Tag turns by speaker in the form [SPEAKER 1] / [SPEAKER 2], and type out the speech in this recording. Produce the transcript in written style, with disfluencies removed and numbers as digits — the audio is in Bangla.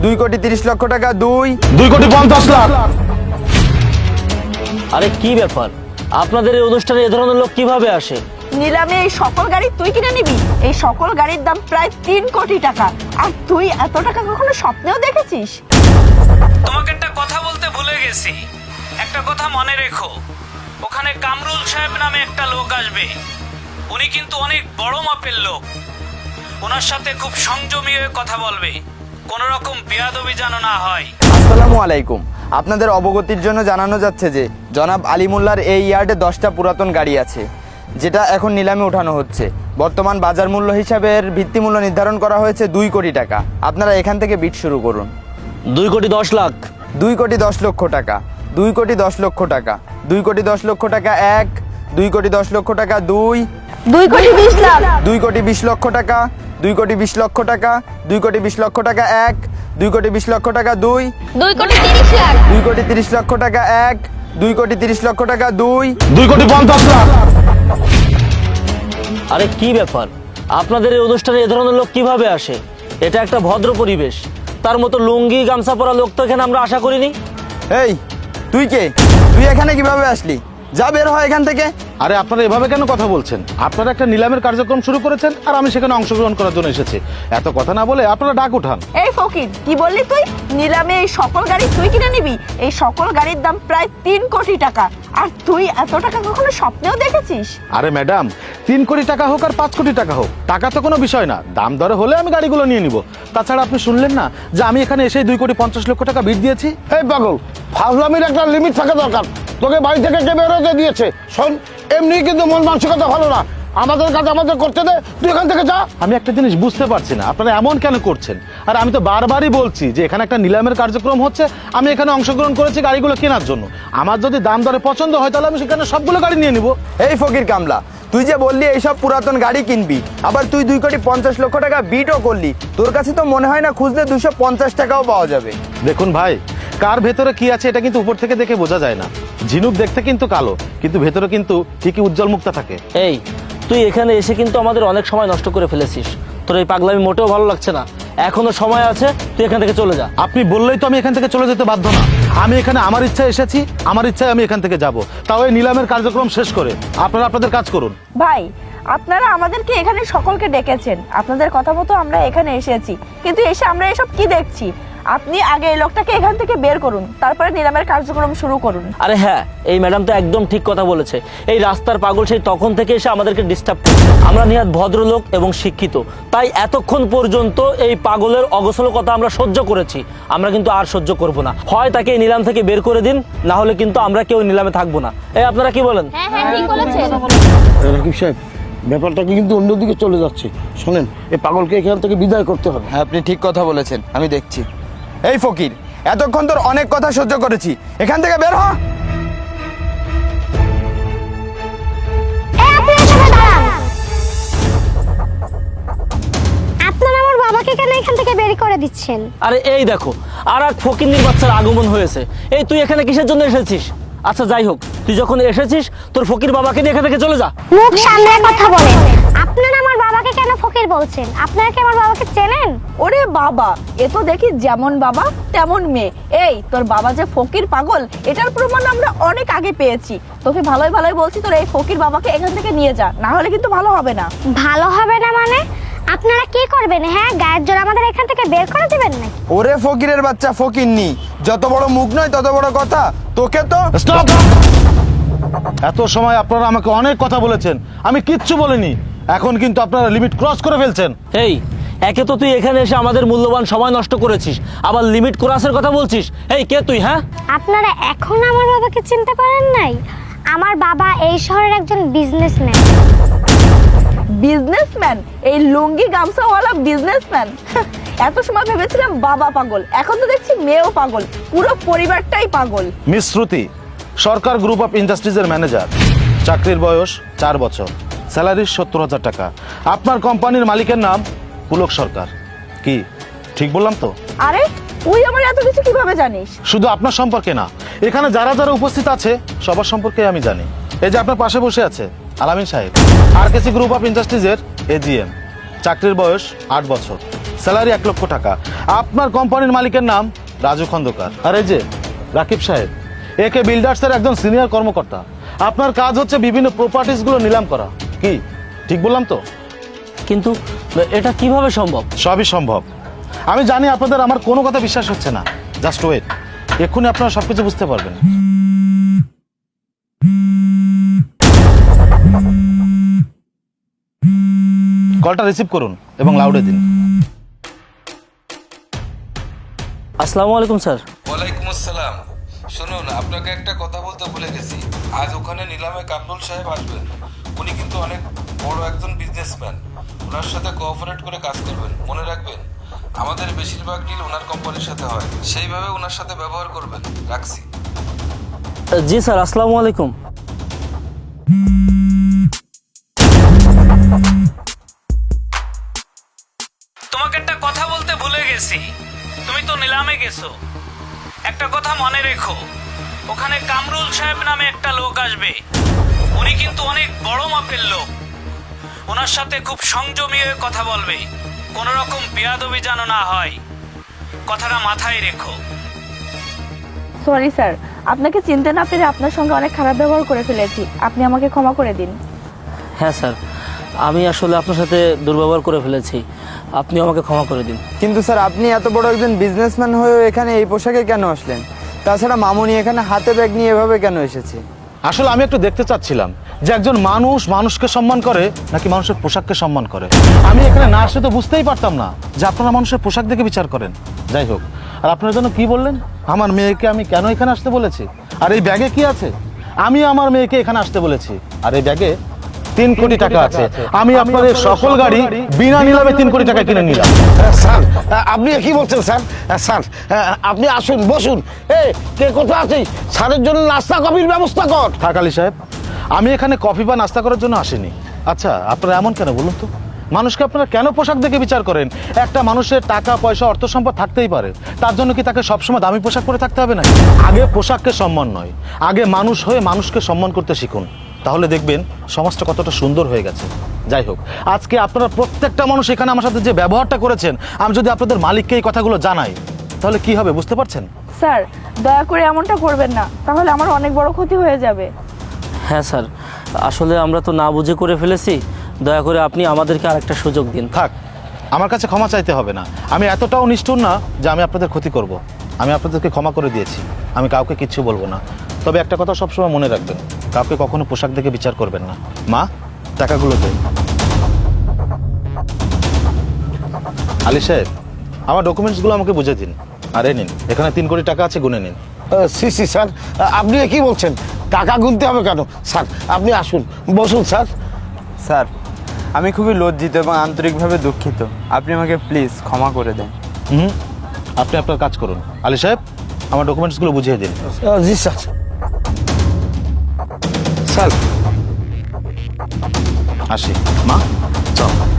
[SPEAKER 1] 2,30,00,000 টাকা,
[SPEAKER 2] 2,50,00,000।
[SPEAKER 3] আরে কি ব্যাপার, আপনাদের এই অনুষ্ঠানে এ ধরনের লোক কিভাবে আসে?
[SPEAKER 4] নিলামে এই সকল গাড়ি তুই কিনে নিবি? এই সকল গাড়ির দাম প্রায় 3 কোটি টাকা, আর তুই এত টাকা কখনো স্বপ্নেও দেখেছিস?
[SPEAKER 5] তোমাকে একটা কথা বলতে ভুলে গেছি, একটা কথা মনে রেখো, ওখানে কামরুল সাহেব নামে একটা লোক আসবে। উনি কিন্তু অনেক বড় মাপের লোক, ওনার সাথে খুব সংযমী হয়ে কথা বলবে, কোনো রকম বেয়াদবি যেন না হয়।
[SPEAKER 1] আসসালামু আলাইকুম। আপনাদের অবগতির জন্য জানানো যাচ্ছে যে জনাব আলিমুল্লাহর এই ইয়ার্ডে 10টা পুরাতন গাড়ি আছে, যেটা এখন নিলামে ওঠানো হচ্ছে। বর্তমান বাজার মূল্য হিসাবে এর ভিত্তিমূল্য নির্ধারণ করা হয়েছে 2 কোটি টাকা। আপনারা এখান থেকে বিট শুরু করুন।
[SPEAKER 3] 2,10,00,000।
[SPEAKER 1] 2,10,00,000 টাকা, 2,10,00,000 টাকা, 2,10,00,000 টাকা 1, 2,10,00,000 টাকা 2,
[SPEAKER 4] 2,20,00,000।
[SPEAKER 1] 2,20,00,000 টাকা, 2,20,00,000 টাকা, 2,20,00,000 টাকা 1, 2,20,00,000 টাকা 2,
[SPEAKER 4] 2,30,00,000।
[SPEAKER 1] 2,30,00,000 টাকা 1, 2,30,00,000 টাকা 2,
[SPEAKER 2] 2,50,00,000।
[SPEAKER 3] আরে কি ব্যাপার, আপনাদের এই অনুষ্ঠানে এ ধরনের লোক কিভাবে আসে? এটা একটা ভদ্র পরিবেশ, তার মতো লুঙ্গি গামছা পরা লোক তো এখানে আমরা আশা করিনি।
[SPEAKER 1] এই তুই কে? তুই এখানে কিভাবে আসলি? যা বের হয় এখান থেকে।
[SPEAKER 2] আরে আপনারা এভাবে কেন কথা বলছেন? আপনারা একটা নিলামের কার্যক্রম শুরু করেছেন আর আমি সেখানে অংশগ্রহণ করার জন্য এসেছি। এত কথা না বলে আপনারা ডাক উঠান।
[SPEAKER 4] এই ফকির, কি বললি তুই? নিলামে এই সকল গাড়ি তুই কিনে নিবি? এই সকল গাড়ির দাম প্রায় 3 কোটি টাকা, আর তুই এত টাকা কখনো স্বপ্নেও দেখেছিস?
[SPEAKER 2] আরে ম্যাডাম, 3 কোটি টাকা হোক আর 5 কোটি টাকা হোক, টাকা তো কোনো বিষয় না, দাম দরে হলে আমি গাড়িগুলো নিয়ে নিব। তাছাড়া আপনি শুনলেন না যে আমি এখানে এসে 2,50,00,000 টাকা বিট দিয়েছি?
[SPEAKER 6] এই পাগল, ফাজলামির একটা লিমিট থাকা দরকার। তোকে বাড়ি থেকে কে বেরোতে দিয়েছে? শোন, এমনি কিন্তু মন মানসিকতা ভালো না। আমাদের কাজ আমাদের করতে দে, তুই এখান থেকে যা।
[SPEAKER 2] আমি একটা জিনিস বুঝতে পারছি না, আপনারা এমন কেন করছেন? আর আমি তো বারবারই বলছি যে এখানে একটা নিলামের কার্যক্রম হচ্ছে, আমি এখানে অংশগ্রহণ করেছি গাড়িগুলো কেনার জন্য। আমার যদি দাম দরে পছন্দ হয় তাহলে আমি সেখানে সবগুলো গাড়ি নিয়ে নিব।
[SPEAKER 1] এই ফকির কামলা, তুই যে বললি এইসব পুরাতন গাড়ি কিনবি, আবার তুই 2,50,00,000 টাকা বিটও করলি। তোর কাছে তো মনে হয় না খুঁজলে 250 টাকাও পাওয়া যাবে?
[SPEAKER 2] দেখুন ভাই, কার ভেতরে কি আছে এটা কিন্তু উপর থেকে দেখে বোঝা যায় না। ঝিনুক দেখতে কিন্তু কালো, কিন্তু ভেতরে কিন্তু ঠিকই উজ্জ্বল মুক্তা থাকে।
[SPEAKER 3] এই তুই এখানে এসে কিন্তু আমাদের অনেক সময় নষ্ট করে ফেলেছিস, তোর এই পাগলামি মোটেও ভালো লাগছে না। এখনো সময় আছে, তুই এখান থেকে চলে যা।
[SPEAKER 2] আপনি বললেই তো আমি এখান থেকে চলে যেতে বাধ্য না। আমি এখানে আমার ইচ্ছায় এসেছি, আমার ইচ্ছায় আমি এখান থেকে যাব, তাও এই নিলামের কার্যক্রম শেষ করে। আপনারা আপনাদের কাজ করুন।
[SPEAKER 4] ভাই, আপনারা আমাদেরকে এখানে সকলকে ডেকেছেন, আপনাদের কথা মতো আমরা এখানে এসেছি, কিন্তু এসে আমরা এসব কি দেখছি? আপনি আগে এই লোকটাকে এখান থেকে বের করুন, তারপরে নিলামের কার্যক্রম শুরু করুন।
[SPEAKER 3] আরে হ্যাঁ, এই ম্যাডাম তো একদম ঠিক কথা বলেছে। এই রাস্তার পাগল সেই তখন থেকে এসে আমাদেরকে ডিস্টার্ব করছে। আমরা নিহাত ভদ্রলোক এবং শিক্ষিত, তাই এতক্ষণ পর্যন্ত এই পাগলের অগোছল কথা আমরা সহ্য করেছি। আমরা কিন্তু আর সহ্য করব না। হয় তাকে এই নিলাম থেকে বের করে দিন, না হলে কিন্তু আমরা কেউ নিলামে থাকবো না। এই আপনারা কি বলেন?
[SPEAKER 6] রাকিব সাহেব, ব্যাপারটা কিন্তু অন্যদিকে চলে যাচ্ছে। শোনেন, এই পাগলকে এখান থেকে বিদায় করতে হবে।
[SPEAKER 1] হ্যাঁ, আপনি ঠিক কথা বলেছেন, আমি দেখছি। এই ফকির, এতক্ষণ তোর অনেক কথা সহ্য করেছি, এখান থেকে বের হ।
[SPEAKER 7] আপনারা আমার বাবাকে কেন এখান থেকে বের করে দিচ্ছেন?
[SPEAKER 3] আরে এই দেখো, আর এক ফকিন্নির বাচ্চার আগমন হয়েছে। এই তুই এখানে কিসের জন্য এসেছিস? আচ্ছা যাই হোক, তুই যখন এসেছিস তোর ফকির বাবাকে নিয়ে এখান থেকে চলে যা।
[SPEAKER 7] মুখ সামনে কথা বলেন। আপনারা আমার বাবাকে কেন ফকির বলছেন? আপনারা কি আমার বাবাকে চেনেন?
[SPEAKER 4] ওরে বাবা, এ তো দেখি যেমন বাবা তেমন মেয়ে। এই তোর বাবা যে ফকির পাগল, এটার প্রমাণ আমরা অনেক আগে পেয়েছি। তোকে ভালোই ভালোই বলছি, তোর এই ফকির বাবাকে এখান থেকে নিয়ে যা, না হলে কিন্তু ভালো হবে না।
[SPEAKER 7] ভালো হবে না মানে? আপনারা কি করবেন? হ্যাঁ, গায়ের জোর আমাদের এখান থেকে বের করে দিবেন নাকি?
[SPEAKER 1] ওরে ফকিরের বাচ্চা ফকিরনি, যত বড় মুখ নয় তত বড় কথা। তোকে তো
[SPEAKER 2] স্টপ! এত সময় আপনারা আমাকে অনেক কথা বলেছেন, আমি কিচ্ছু বলিনি। এখন কিন্তু আপনারা লিমিট ক্রস করে ফেলছেন।
[SPEAKER 3] এই একে তো তুই এখানে এসে আমাদের মূল্যবান সময় নষ্ট করেছিস, আবার লিমিট ক্রসের কথা বলছিস। এই কে তুই? হ্যাঁ,
[SPEAKER 7] আপনারা এখন আমার বাবাকে চিনতে পারেন নাই? আমার বাবা এই শহরের একজন বিজনেসম্যান।
[SPEAKER 4] বিজনেসম্যান? এই লুঙ্গি গামছাওয়ালা বিজনেসম্যান? এত সময় ভেবেছিলাম বাবা পাগল, এখন তো দেখছি মেয়েও পাগল, পুরো পরিবারটাই পাগল।
[SPEAKER 2] Miss Shruti, Sarkar group of ইন্ডাস্ট্রিজের ম্যানেজার, চাকরির বয়স 4 বছর, স্যালারি 70,000 টাকা। আপনার কোম্পানির মালিকের নাম পুলক সরকার। কি ঠিক বললাম তো?
[SPEAKER 4] আরে তুই আমার এত কিছু কিভাবে জানিস?
[SPEAKER 2] শুধু আপনার সম্পর্কে না, এখানে যারা যারা উপস্থিত আছে সবার সম্পর্কে আমি জানি। এই যে আপনার পাশে বসে আছে আলামিন সাহেব, RKC গ্রুপ অফ ইন্ডাস্ট্রিজের AGM, চাকরির বয়স 8 বছর, স্যালারি 1 লক্ষ টাকা। আপনার কোম্পানির মালিকের নাম রাজু খন্দকার। আর এই যে রাকিব সাহেব, একে বিল্ডার্সের একজন সিনিয়র কর্মকর্তা। আপনার কাজ হচ্ছে বিভিন্ন প্রপার্টিসগুলো নিলাম করা। কি ঠিক বললাম তো?
[SPEAKER 3] কিন্তু এটা কিভাবে সম্ভব?
[SPEAKER 2] সবই সম্ভব। আমি জানি আপনাদের আমার কোনো কথা বিশ্বাস হচ্ছে না। জাস্ট ওয়েট, এক্ষুনি আপনারা সবকিছু বুঝতে পারবেন। কলটা রিসিভ করুন এবং লাউডে দিন।
[SPEAKER 3] আসসালামু আলাইকুম স্যার।
[SPEAKER 8] ওয়ালাইকুম আসসালাম। শুনুন, আপনাকে একটা কথা বলতে ভুলে গেছি। আজ ওখানে নিলামে কামরুল সাহেব আসবেন। উনি কিন্তু অনেক বড় একজন বিজনেসম্যান। ওনার সাথে কোঅপারেট করে কাজ করবেন। মনে রাখবেন, আমাদের বেশিরভাগ ডিল ওনার কোম্পানির সাথে হয়, সেইভাবে ওনার সাথে ব্যবহার করবেন। রাখছি।
[SPEAKER 3] জি স্যার, আসসালামু আলাইকুম।
[SPEAKER 5] তোমাকে একটা কথা বলতে ভুলে গেছি। তুমি তো নিলামে গেছো, একটা কথা মনে রেখো, ওখানে কামরুল সাহেব নামে একটা লোক আসবে। উনি কিন্তু অনেক বড় মাপের লোক। ওনার সাথে খুব সংযমী হয়ে কথা বলবে, কোনো রকম বেয়াদবি যেন না হয়। কথাটা মাথায় রেখো।
[SPEAKER 4] সরি স্যার, আপনাকে চিনতে না পেরে আপনার সঙ্গে অনেক খারাপ ব্যবহার করে ফেলেছি, আপনি আমাকে ক্ষমা করে দিন।
[SPEAKER 3] হ্যাঁ স্যার, আমি আসলে আপনার সাথে দুর্ব্যবহার করে ফেলেছি, আপনি আমাকে ক্ষমা করে দিন।
[SPEAKER 1] কিন্তু স্যার, আপনি এত বড় একজন বিজনেসম্যান হয়েও এখানে এই পোশাকে কেন আসলেন? তাছাড়া মামুনি এখানে হাতে ব্যাগ নিয়ে এভাবে কেন এসেছে?
[SPEAKER 2] আসলে আমি একটু দেখতে চাচ্ছিলাম যে একজন মানুষ মানুষকে সম্মান করে নাকি মানুষের পোশাককে সম্মান করে। আমি এখানে না আসলে তো বুঝতেই পারতাম না যে আপনারা মানুষের পোশাক দেখে বিচার করেন। যাই হোক, আর আপনার জন্য কি বললেন? আমার মেয়েকে আমি কেন এখানে আসতে বলেছি? আর এই ব্যাগে কি আছে? আমি আমার মেয়েকে এখানে আসতে বলেছি, আর এই ব্যাগে 3 কোটি টাকা আছে। আমি আপনাদের সকল গাড়ি বিনা নিলামে 3 কোটি টাকা কিনে নিলাম।
[SPEAKER 6] স্যার, আপনি কি বলছেন স্যার? স্যার, আপনি আসুন, বসুন। কে কোথায় আছে? স্যারের জন্য নাস্তা কফির ব্যবস্থা কর।
[SPEAKER 2] থাক আলী সাহেব, আমি এখানে কফি বা নাস্তা করার জন্য আসিনি। আচ্ছা, আপনারা এমন কেন বলুন তো? মানুষকে আপনারা কেন পোশাক দেখে বিচার করেন? একটা মানুষের টাকা পয়সা অর্থ সম্পদ থাকতেই পারে, তার জন্য কি তাকে সবসময় দামি পোশাক পরে থাকতে হবে না? আগে পোশাককে সম্মান নয়, আগে মানুষ হয়ে মানুষকে সম্মান করতে শিখুন, তাহলে দেখবেন সমাজটা কতটা সুন্দর হয়ে গেছে। যাই হোক, আজকে আপনারা প্রত্যেকটা মানুষ এখানে আমার সাথে যে ব্যবহারটা করেছেন, আমি যদি আপনাদের মালিককে এই কথাগুলো জানাই তাহলে কি হবে বুঝতে পারছেন?
[SPEAKER 4] স্যার, দয়া করে এমনটা করবেন না, তাহলে আমার অনেক বড় ক্ষতি হয়ে যাবে।
[SPEAKER 3] হ্যাঁ স্যার, আসলে আমরা তো না বুঝে করে ফেলেছি, দয়া করে আপনি আমাদেরকে আরেকটা সুযোগ দিন।
[SPEAKER 2] থাক, আমার কাছে ক্ষমা চাইতে হবে না। আমি এতটাও নিষ্ঠুর না যে আমি আপনাদের ক্ষতি করব। আমি আপনাদেরকে ক্ষমা করে দিয়েছি, আমি কাউকে কিচ্ছু বলবো না। তবে একটা কথা সবসময় মনে রাখবেন, কাউকে কখনো পোশাক দেখে বিচার করবেন না। মা, টাকাগুলো দেন। আলী সাহেব, আমার ডকুমেন্টসগুলো আমাকে বুঝে দিন। আর এই নিন, এখানে 3 কোটি টাকা আছে, গুনে নিন।
[SPEAKER 6] সি স্যার, আপনি কি বলছেন? টাকা গুনতে হবে কেন? স্যার, আপনি আসুন, বসুন স্যার।
[SPEAKER 1] স্যার, আমি খুবই লজ্জিত এবং আন্তরিকভাবে দুঃখিত। আপনি আমাকে প্লিজ ক্ষমা করে দেন।
[SPEAKER 2] আপনি আপনার কাজ করুন। আলী সাহেব, আমার ডকুমেন্টসগুলো বুঝিয়ে দিন।
[SPEAKER 6] জি স্যার। স্যার,
[SPEAKER 2] আসি। মা, চল।